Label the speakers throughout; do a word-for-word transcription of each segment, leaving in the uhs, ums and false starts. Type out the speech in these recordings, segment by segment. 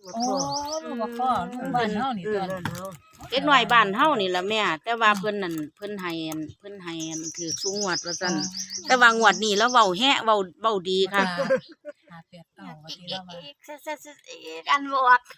Speaker 1: โอ้ลูกบ่พ่อลูกบ้านเฮานี่ตัว
Speaker 2: เด็กน้อยบ้านเฮานี่ล่ะแม่แต่ว่าเพิ่นนั่นเพิ่นให้อันเพิ่นให้อันถือสูงงวดว่าซั่นแต่ว่างวดนี้แล้วเว้าแฮะเว้าเว้าดีค่ะ
Speaker 1: ห้าแปดเก้าว่าสิแล้วว่า
Speaker 3: กันบวก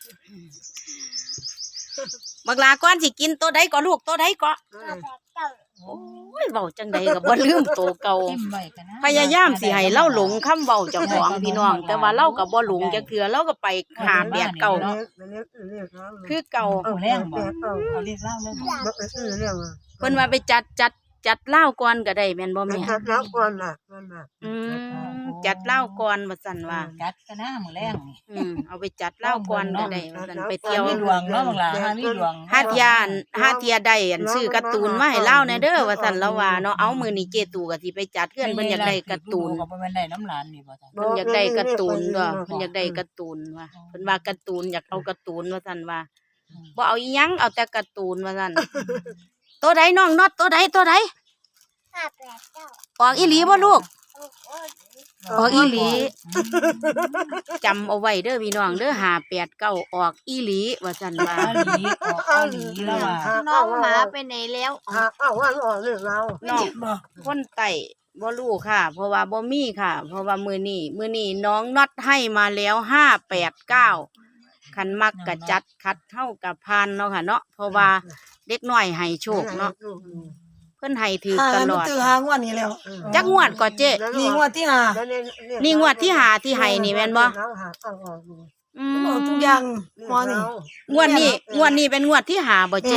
Speaker 2: บักลาก่อนสิกินตัวใดก็ลูกตัวใดก็โอ้ยเว้าจังใดก็บ่ลืมตัวเก่าพยายามสิให้เล่าหลงคำเว้าเจ้าของพี่น้องแต่ว่าเราก็บ่หลงจักเทื่อเราก็ไปหาแบบเก่าคือเก่า
Speaker 1: เอาแรงบ่เอาเรียกเล่าเลยบ่
Speaker 2: เพิ่นว่าไปจัดจัดจัดเหล้าก่อนก็ได้แม่นบ่แม่
Speaker 4: จัดเหล้าก่อนน่ะ
Speaker 2: อืมจัดเหล้าก่อนว่าซั่นว่า
Speaker 1: จัดกันนะมื้อแรงนี่
Speaker 2: อืมเอาไปจัดเหล้าก่อนก็ได้ว่าซั่นไปเที่ยว
Speaker 1: มีดวงเนาะบักหลาหามีดวง
Speaker 2: หาดยานหาเทียได้อันซื้อการ์ตูนมาให้เล่าแน่เด้อว่าซั่นแล้วว่าเนาะเอามื้อนี้เจตู่ก็สิไปจัดเฮือนเพิ่นอยากได้การ์ตูน
Speaker 1: ก็บ่แม่นได้น้ำหลานนี่บ่จ้ะ
Speaker 2: เพิ่นอยากได้การ์ตูนก็เพิ่นอยากได้การ์ตูนว่าเพิ่นว่าการ์ตูนอยากเอาการ์ตูนว่าซั่นว่าบ่เอาอีหยังเอาแต่การ์ตูนว่าซั่นตัวใดน้องน็อตตัวใดตัวใด
Speaker 3: ห้าแปดเก้า
Speaker 2: ออกอีหลีบ่ลูกออกอีหลีจำเอาไว้เด้อพี่น้องเด้อห้าแปดเก้าออกอีหลีว่าซั่นว่า
Speaker 1: อีหลีออกอีหลีแล้วว่า
Speaker 3: น้องหมาไปไหนแล้ว
Speaker 4: อ้าวว่าออกเรื่องเรา
Speaker 2: น้องคนไต่บ่รู้ค่ะเพราะว่าบ่มีค่ะเพราะว่ามื้อนี้มื้อนี้น้องน็อตให้มาแล้วห้าแปดเก้าคันมักก็จัดคัดเฮากับพานเนาะค่ะเนาะเพราะว่าเด็กน้อยให้โชคเนาะเพิ่นให้ถือตลอด
Speaker 5: ถือหางวดนี้แล้ว
Speaker 2: จักงวดก็เจ๊
Speaker 5: นี่งวดที่ห้า
Speaker 2: นี่งวดที่ห้าที่ให้นี่แม่นบ่
Speaker 5: อืมทุกอย่างมอนี่
Speaker 2: งวดนี้งวดนี้เป็นงวดที่ห้าบ่เจ๊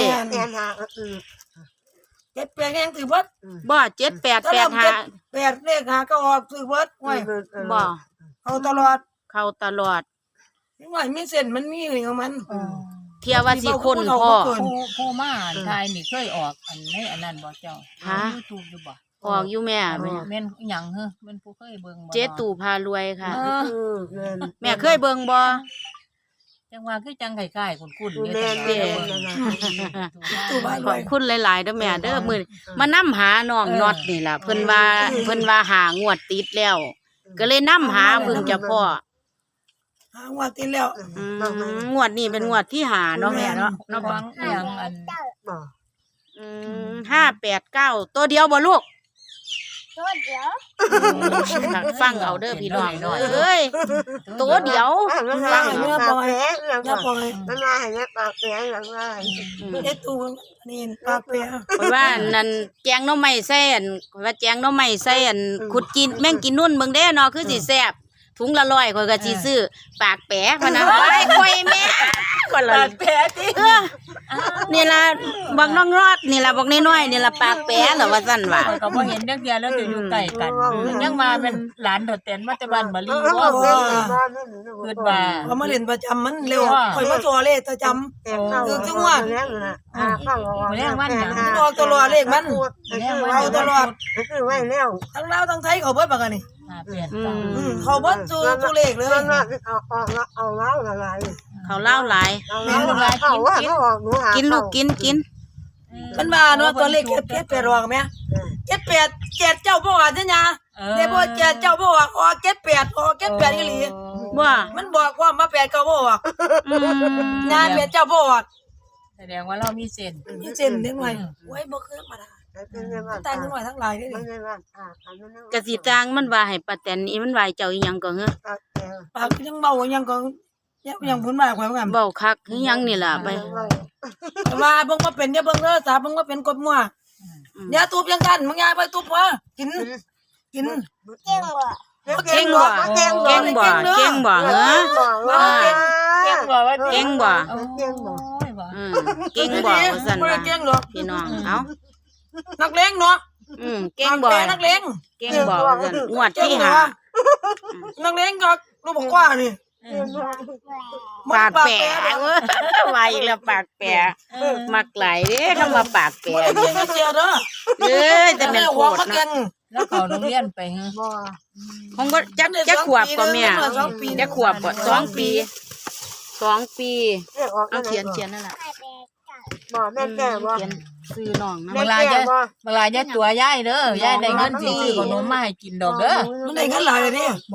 Speaker 5: เจ็ดแปดยังถือเบิด
Speaker 2: บ่เจ็ดแปดแปดห้า
Speaker 5: แปดเลขหาก็ออกถือเบิดไว้
Speaker 2: บ่
Speaker 5: เข้าตลอด
Speaker 2: เข้าตลอด
Speaker 5: นี่ว่ามีเส้นมันมีของมัน
Speaker 2: เที่ยวว่าสิคนพ่อ
Speaker 1: ผู้ผู้มาทายนี่เคยออกอันในอันนั้นบ่เจ้าฮะ YouTube อยู่บ่
Speaker 2: ออกอยู่แม่แม่
Speaker 1: แม่นหยังเหรอแม่นผู้เคยเบิ่งบ่
Speaker 2: เจ๊ตู่พารวยค่ะแม่เคยเบิ่งบ่
Speaker 1: จังว่าคือจังไข่ๆคุ้นๆ
Speaker 4: เนี่ย
Speaker 1: เด้
Speaker 5: ตู่พารวย
Speaker 2: ขอบคุณหลายๆเด้อแม่เด้อมื้อมานำหาน้องน็อตนี่ล่ะเพิ่นว่าเพิ่นว่าหางวดติดแล้วก็เลยนำหาเพิ่งจะพ่อ
Speaker 5: หางวดติดแล้ว
Speaker 2: งวดนี้เป็นงวดที่หาเนาะแม่เนาะ
Speaker 1: เนาะฟังอีหยังอัน
Speaker 2: อืมห้าแปดเก้าตัวเดียวบ่ลูก
Speaker 3: ตัวเดียว
Speaker 2: ฟังเอาเด้อพี่น้องเอ้ยตัวเดียว
Speaker 4: ฟังเนื้อปล่อยเนื้อปล่อยมันมาให้เนื้อปากแผลอย่างไร
Speaker 5: เจ๊ตู่นี่ปากแผล
Speaker 2: เพราะว่านั่นแจงหน่อไม้แซ่นว่าแจงหน่อไม้แซ่นขุดกินแม่งกินนุ่นเบิ่งเด้เนาะคือสิแซ่บถุงละร้อยข่อยก็สิซื้อปากแปะพะนะไว้ข่อยแม่ก็ละ
Speaker 1: ปากแปะติ
Speaker 2: เออนี่ล่ะบักน้องรอดนี่ล่ะบักน้อยๆนี่ล่ะปากแปะเหรอว่าซั่นว่า
Speaker 1: ก็บ่เห็นจักเที่ยแล้วจะอยู่ใกล้กันยังมาเป็นหลานโดดเต้นมาแต่บ้านบาลีว่าเกิดว่า
Speaker 5: เขามาเล่นประจำมันเร็วข่อยมาตัวเลขประจำคือจังหวะ
Speaker 1: อ่าแรงวันหยัง
Speaker 5: ออกตลอดเลขมันเอาตลอด
Speaker 4: คือไว้แล้ว
Speaker 5: ทั้งลาวทั้งไทยเขาเบิดบักอันนี่
Speaker 1: เปลี่ยน
Speaker 5: เขาเบิดสู่ตัวเลขเลย
Speaker 4: เอาเอาเอาเล่าอะไร
Speaker 2: เขาเล่าหลายกินลูกกินกิน
Speaker 5: มันมาเนาะตัวเลขเจ็ดแปดรอกมั้ยเจ็ดแปดเจ็ดเจ้าบ่ว่าจังหยังเด้บ่เจ็ดเจ้าบ่ว่าออกเจ็ดแปดออกเจ็ดแปดอีหลี
Speaker 2: ว่า
Speaker 5: มันบอกว่ามาแปดก็บ่ว่าอืมงานแปดเจ้าบ่ว่า
Speaker 1: แสดงว่าเรามีเส้น
Speaker 5: มีเส้นเด้หน่อยโอ้ยบ่คือธรรมดาตายหน่อยทั้งหลายเด้
Speaker 2: กะสิจางมันว่าให้ป้าแตนอีมันว่าเจ้าอีหยังก็เหรอ
Speaker 5: ปากยังเบายังก็ยังพูดมากกว่ากัน
Speaker 2: เบาคักคือหยังนี่ล่ะไป
Speaker 5: ว่าเบิ่งบ่เป็นอย่าเบิ่งเด้อสาเบิ่งบ่เป็นกดมั่วอย่าตูบยังกันมึงอย่าไปตูบว่ากินกิน
Speaker 3: เก่งบ่
Speaker 2: เก่งบ่เก่งบ่เก่งบ่เหรอ
Speaker 1: เก่งบ่ว่า
Speaker 2: เก่งบ่
Speaker 4: เก่งบ่
Speaker 2: อืมเก่งบ่ว่าซั่นว่าพี่น้องเอ้า
Speaker 5: นักเลงเนาะ
Speaker 2: อืมเก่งบ่
Speaker 5: นักเลง
Speaker 2: เก่งบ่ว่าซั่นงวดที่ห้า
Speaker 5: นักเลงก็รู้บ่กว่านี่
Speaker 2: ปากแปะเว้ยไวแล้วปากแปะมักหลายเด้คำว่าปากแปะ
Speaker 5: นี่เจียวเด้อ
Speaker 2: เอ้ยแต่แม่นโคตรเนาะ
Speaker 1: แล้วเขาโรงเรียนไปฮะบ่
Speaker 2: คงบ่จักจักขวบก็แม่จักขวบบ่สองปีสองปีเอาเขียนเขียนนั่นล่ะ
Speaker 4: บ่แม่แก่บ่
Speaker 2: เขียนซื้อน้องนะ
Speaker 1: เวลาจะเวลาจะตัวยายเด้อยายได้เงินสิซื้อขนมมาให้กินดอกเด้อ
Speaker 5: มันได้เงินหลายเลยดิ
Speaker 4: แ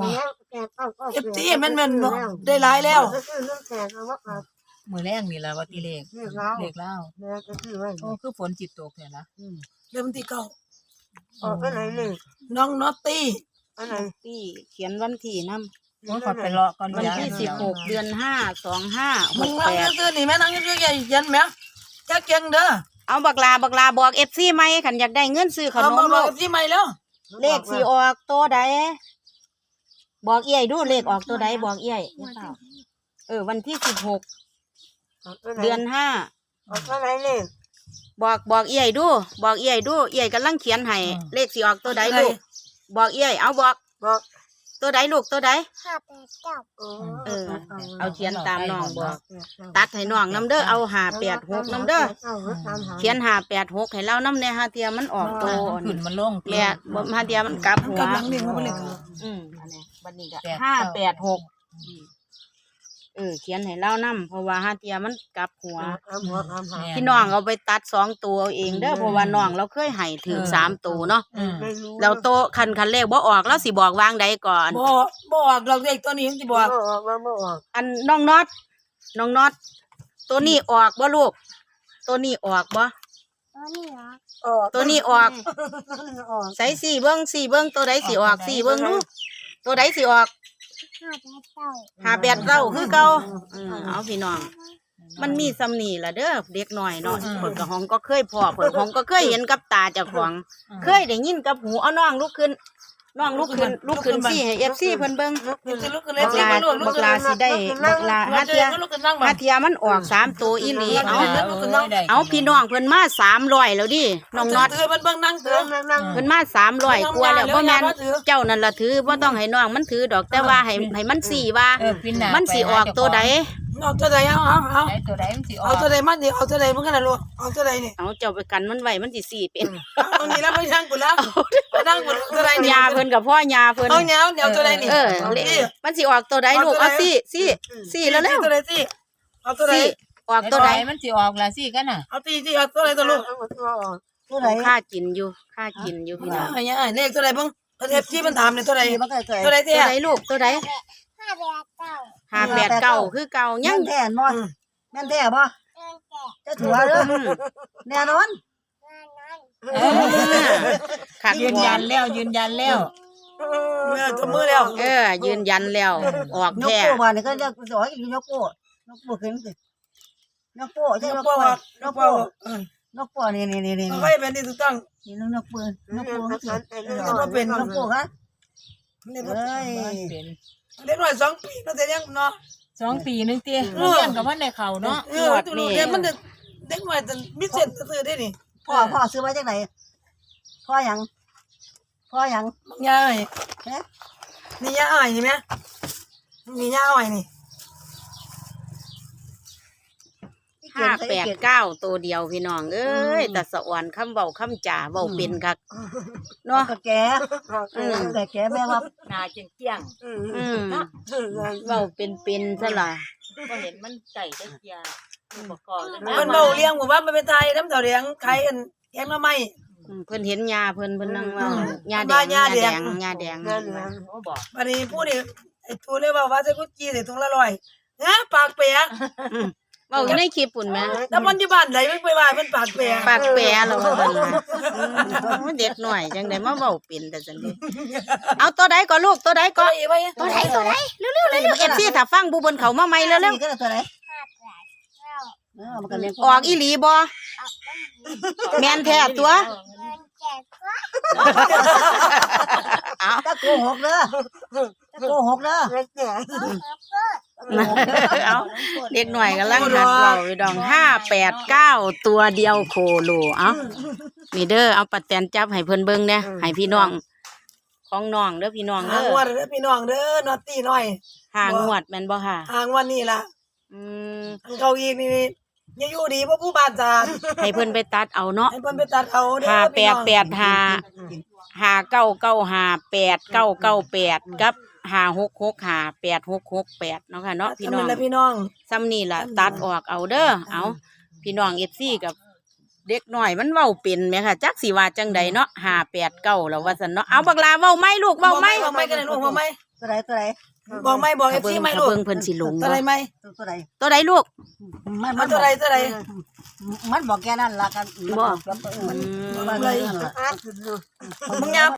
Speaker 5: เอฟซีมันมันได้หลายแล้ว
Speaker 1: มือแรงนี่แหละว่าตีเลขเลขเล่าโอ้คือฝนจิตตกเนี่ยนะ
Speaker 5: เริ่มที่เก้า
Speaker 4: ออกไปไหนเลย
Speaker 5: น้องนอตตี้
Speaker 4: อันไหน
Speaker 2: ที่เขียนวันที่นำ
Speaker 1: โอ้ยขอไปรอก่อน
Speaker 2: วันที่สิบหกเดือนห้าสองห้าห
Speaker 5: มึง
Speaker 2: ก
Speaker 5: นั่
Speaker 2: แป
Speaker 5: ง
Speaker 2: ด
Speaker 5: ซื้อนี่แม่นั่งซื้อใหญ่ยันแม่แค่เก่งเด้อ
Speaker 2: เอาบักลาบักลาบอกเอฟซีไหมขันอยากได้เงินซื้อข
Speaker 5: เอา
Speaker 2: น
Speaker 5: มาม บ
Speaker 2: ลู
Speaker 5: อก
Speaker 2: ก
Speaker 5: กับพี่ใหม่แล้ว
Speaker 2: เลขสีออกตัวใดบอกเอี้ยดูเลขออกตัวใดบอกเอี้ยเออวันที่สิบหกเดือนห้า
Speaker 4: ออกไปไหนเลย
Speaker 2: บอกบอกเอี้ยดู บอกเอี้ยดูเอี้ยกำลังเขียนให้เลขสีออกตัวใดลูกบอกเอี้ยเอาบอก
Speaker 4: บอก
Speaker 2: ตัวใดลูกตัวใด
Speaker 3: ห้าแปดเก้า
Speaker 2: เออ เอาเขียนตามน้องบอก ตัดให้น้องน้ำเด้อเอาหาแปดหกน้ำเด้อเขียนหาแปดหกให้เราน้ำในฮาเทียมันออกตัว
Speaker 1: ขึ้นมันลง
Speaker 2: แม่บ่ฮาเทียมันกลับหัว
Speaker 5: กำลังเรียนเขาไปเลย
Speaker 2: อืมอันนี้บัดนี้ก็ห้าแปดหกเออเขียนให้เล่านํเพราะว่าฮาเทียมันกลับหัว พี่น้องเอาไปตัดสองตัวเอาเองเด้อเพราะว่าน้องเราเคยให้ถึงสามตัวเนาะ
Speaker 1: อืม
Speaker 2: แล้วโตคันคันเลขบ่ออกแล้วสิบอกวางใดก่อน
Speaker 5: บ่บอกเราเด็กตัวนี้ยังจะบอก
Speaker 4: บอกบอกบอก
Speaker 2: อันน้องน็อตน้องน็อตตัวนี้ออกบ่ลูกตัวนี้ออกบ่
Speaker 3: ตัวนี้เหรอ
Speaker 4: ออก
Speaker 2: ตัวนี้ออก
Speaker 4: ออก
Speaker 2: ใส่สี่เบิ้งสี่เบิ้งตัวใดสิออกสี่เบิ้งดูตัวใดสิออก
Speaker 3: ห้าแปดเก้า
Speaker 2: หาแปดเก้าคือเก่าอืมเอาพี่น้อง มันมีสำนีล่ะเด้อเด็กน้อยเนาะเพิ่นก็ห้องก็เคยพ่อเพิ่นห้องก็เคยเห็นกับตาเจ้าของ เคยได้ยินกับหูเอาน้องลุกขึ้นน้องลุกขึ้นลุกขึ้นสิให้ เอฟ ซี เพิ่นเบิ่ง
Speaker 5: ลุกขึ้นลุกขึ้นเล
Speaker 2: บั
Speaker 5: ย
Speaker 2: ก
Speaker 5: สิ
Speaker 2: ลา
Speaker 5: มาลูกลุ
Speaker 2: บั
Speaker 5: ก
Speaker 2: ก
Speaker 5: ขึ้น
Speaker 2: ลาสิได้บักลาหาเทีย
Speaker 5: ลุกขึ้นนั่งมา
Speaker 2: หาเทียมันออกสามตัวอีหลีเอา
Speaker 5: ลุกขึ้นนั่ง
Speaker 2: เอาพี่น้องเพิ่นมาสามร้อยแล้วดิน้องน็อต
Speaker 5: เตือนเบิ่งนั่งเตือน
Speaker 4: นั่ง
Speaker 2: เพิ่นมาสามร้อยกว่าแล้วบ่แม่นเจ้านั่นล่ะถือบ่ต้องให้น้องมันถือดอกแต่ว่าให้ให้มันสี่ว่า
Speaker 1: เออปิ้นหน้า
Speaker 2: มันสิออกตัวใด
Speaker 5: เอาตัวใดเอาเอาเอา
Speaker 1: ไหนตัวใดมันสิออ
Speaker 5: เอา
Speaker 1: ก
Speaker 5: ตัวใดมันดิเอาตัวใดมันกันนะลูกเอาตัวใดนี่
Speaker 2: เอาเจ้าไปกันมันไว้มันสิสี่เป็น
Speaker 5: เอานี่แล้วไปนั่งกูแล้วไปนั่งกูตัวใดนี่
Speaker 2: ยาเพิ่นกับพ่อยาเพิ่น
Speaker 5: เอาเนี้ยเดี๋ยวตัวใดนี่
Speaker 2: เออเลมันสิออกตัวใดลูกเอาสี่สี่สี่แล้วแล้ว
Speaker 5: ตัวใดสิเอาตัวใด
Speaker 2: สี่ออกตัวใด
Speaker 1: มันสิออกละสิกันน่ะ
Speaker 5: เอาตีสิเอาตัวใดตัวลูก
Speaker 4: ตัวออก
Speaker 5: ตัวใด
Speaker 2: ค่ากินอยู่ค่ากินอยู่พี่น้อง
Speaker 5: ไอ้เนี่ยเลขตัวใดเบิ่งประเทศที่มันถามเนี่ยตัวใดตัวใด
Speaker 2: ตั
Speaker 5: เตี้
Speaker 2: วย ใดลูกตัวใด
Speaker 3: ห้าแปดเก้า
Speaker 2: ห้าแปดเก้าคือเก่ายัง
Speaker 6: แม่นบ่แม่นแท้บ่
Speaker 3: เกินแก่
Speaker 6: จะถือว่าเด้อ
Speaker 2: อืม
Speaker 6: แน่นอน
Speaker 3: งานนั้น
Speaker 2: เออคัก
Speaker 1: ยืนยันแล้วยืนยันแล้ว
Speaker 5: เออตัวมือแล้ว
Speaker 2: เออยืนยันแล้วออก
Speaker 6: ยก
Speaker 2: แท้
Speaker 6: โป้มานี่ก็จะสอนอีกยกโป้ยกโป้ขึ้นสิยกโป้ใช่
Speaker 5: ย
Speaker 6: ย
Speaker 5: ก
Speaker 6: ก
Speaker 5: โป้
Speaker 6: โป้ย
Speaker 5: ย
Speaker 6: ก
Speaker 5: ก
Speaker 6: โป้
Speaker 5: โป้เออย
Speaker 6: กโป้นี่นี่นี่นี่
Speaker 5: เอาไว้เป็นที่ถูกต้อง
Speaker 6: นี่ยกปืนยกโป้ยก
Speaker 5: ก็เป็น
Speaker 6: โป้ฮะ
Speaker 5: นี่
Speaker 6: เอ้ย
Speaker 1: เป็น
Speaker 5: เล็กน้อยสองปีนั่นแต่ยังเนาะ
Speaker 1: สองปีนึงเตี้ยเรียนกับว่าในเขาเนาะ
Speaker 5: เออตัวลูกเด็กมันเด็กน้อยแต่มิเศษซื่อได้นี่
Speaker 6: พ่อพ่อซื้อมาจากไหนพ่อหยังพ่อหยัง
Speaker 5: ยาอ้อย
Speaker 6: เอ๊ะ
Speaker 5: นี่ยาอ้อยนี่ไหมมียาอ้อยนี่
Speaker 2: ห้าแปดเก้าตัวเดียวพี่น้องเอ้ยแต่สะอ่อนคำเว้าคำจ่าเว้าเป็นคักเนาะ
Speaker 6: ก็แกแต่แกแม่ว่า
Speaker 1: หน้าเจียง
Speaker 2: อืมเว้าเป็นเป็นซะล่ะ
Speaker 1: ๆก็เห็นมันไก่ตะเกียอุปกรณ์เลย
Speaker 5: มันเบาเลี้ยงผมว่ามันเป็นไทยน้ำเต่าเลี้ยงใครกันแกงมาไม่
Speaker 2: อืมเพิ่นเห็นยาเพิ่นเพิ่นนั่งเว่า
Speaker 5: อืม
Speaker 2: ยาแด
Speaker 5: ว่าง ยาย
Speaker 2: า
Speaker 5: แด
Speaker 2: แด
Speaker 5: ง
Speaker 2: งยาแดง
Speaker 1: เขาบอก
Speaker 5: วันนี้พูดนี่ไอ้ตัวเรียกว่าว่าจะกุจีใส่ถุงละร้อยนะปากเปียก
Speaker 2: อืมเว้าอยู่ในคลิปปุ่นแหม
Speaker 5: แล้วมันอยู่บ้านไหนไม่ไปว่ามันปากเปียก
Speaker 2: ปากแปรแล้วว่าซั่นน่ะอืมเด็กหน่อยจังได๋มาเว้าเป็นแต่จังได๋เอาตัวใดก็ลูกตัวใดก็
Speaker 5: ก็อีไว้
Speaker 2: ตัวใดตัวใดเร็วๆเร็วๆ เอฟ ซี ถ้าฟังผู้เพิ่นเข้ามาใหม่เร็ว
Speaker 6: ก็ตัวไหน
Speaker 3: ห้าแปดเก้า
Speaker 6: เออมันก็เลี้ยง
Speaker 2: ๆออกอีหลีบ่แม่นแท้ตัว
Speaker 3: เกินแก่กว่า
Speaker 2: เอา
Speaker 6: ถ้าโกหกเด้อถ้าโกหกเด้อ
Speaker 2: เอาเด็กหน่อยกำลังหัดเว้าอยู่ดองห้าแปดเก้าตัวเดียวโคโลเอานี่เด้อเอาปัดแตนจับให้เพิ่นเบิ่งแน่ให้พี่น้องของน้องเด้อพี่น้อง
Speaker 5: หา
Speaker 2: เด้
Speaker 5: ง
Speaker 2: อ
Speaker 5: วันเด้อพี่น้องเด้อนอตตี้น้อย
Speaker 2: หางวดแม่นบ่ค่ะ
Speaker 5: หางวันนี่ล่ะ
Speaker 2: อืม
Speaker 5: เขาอีกนี่ยังอยู่ดีเพราะผู้บาดจา
Speaker 2: ให้เพิ่นไปตัดเอาเนาะ
Speaker 5: ให้เพิ่นไปตัดเอาเด้อ
Speaker 2: ห้าแป
Speaker 5: พี่
Speaker 2: ด
Speaker 5: น้อง
Speaker 2: แปดห้าห้าเก้าเก้าห้าแปดเก้าเก้าแปดกับห้าหกหกห้าแปดหกหกแปดเนาะค่ะเนาะพี่น้อง
Speaker 5: ทำเป็นละพี่น้อง
Speaker 2: ซ้ำนี่ล่ะตัดออกเอาเด้อเอาพี่น้องเอฟซีกับเด็กหน่อยมันเว้าเป็นไหมค่ะจักสิว่าจังใดเนาะห้าแปดเก้าแล้วว่าซั่นเนาะเอาบักลาเว้าไหมลูกเว้าไหม
Speaker 5: เว้าไหมกันเลยลูกเว้าไหม
Speaker 6: ตัวไหนตัวไหน
Speaker 5: บอกไม่บอกเอ
Speaker 2: ถ้า
Speaker 5: ฟ
Speaker 2: เบิ่
Speaker 5: ซี
Speaker 2: ง
Speaker 5: ไม่
Speaker 2: ถ้า
Speaker 5: ลูก
Speaker 2: เบิ่งเพิ่นสิหลง
Speaker 5: ตัว
Speaker 2: บ่
Speaker 5: ไรไหม
Speaker 6: ตัวไหน
Speaker 2: ตัวใดลูก
Speaker 6: มัน
Speaker 5: เอาตัวไรตัวไร
Speaker 6: มันบอกแกนั่นละกัน
Speaker 2: บอก
Speaker 6: มัน
Speaker 2: อืม
Speaker 6: มันเลยอ่ะ
Speaker 5: มึงยาม